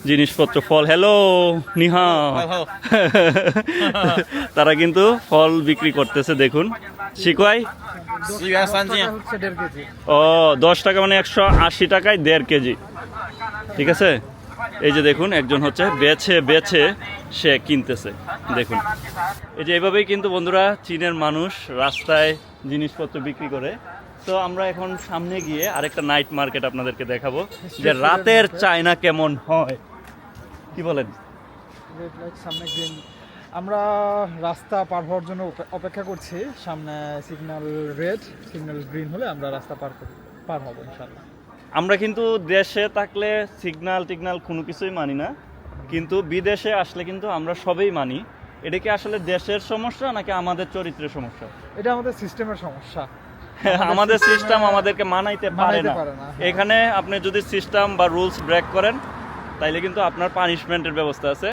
জিনিসপত্র ফল। হ্যালো নিহা, তারা কিন্তু ফল বিক্রি করতেছে দেখুন। শিকোয়াই 1.3斤， ও 10 টাকা মানে 180 টাকায় 1.5 কেজি। ঠিক আছে, এই যে দেখুন একজন হচ্ছে বেছে বেছে সে কিনতেছে দেখুন। এই যে এভাবেই কিন্তু বন্ধুরা চীনের মানুষ রাস্তায় জিনিসপত্র বিক্রি করে। তো আমরা এখন সামনে গিয়ে আরেকটা নাইট মার্কেট আপনাদেরকে দেখাবো যে রাতের চায়না কেমন হয়, কি বলেন? রেড লাইট সামনে গ্রিন। আমরা রাস্তা পার হওয়ার জন্য অপেক্ষা করছি। সামনে সিগন্যাল রেড, সিগন্যাল গ্রিন হলে আমরা রাস্তা পার হব ইনশাআল্লাহ। আমরা কিন্তু দেশে থাকলে সিগন্যাল টিগনাল কোনো কিছুই মানি না, কিন্তু বিদেশে আসলে কিন্তু আমরা সবই মানি। এটা কি আসলে দেশের সমস্যা নাকি আমাদের চরিত্রের সমস্যা? এটা আমাদের সিস্টেমের সমস্যা। আমাদের সিস্টেম আমাদেরকে মানাইতে পারে না। হ্যাঁ। এখানে আপনি যদি সিস্টেম বা রুলস ব্রেক করেন তাইলে কিন্তু আপনার পানিশমেন্টের ব্যবস্থা আছে।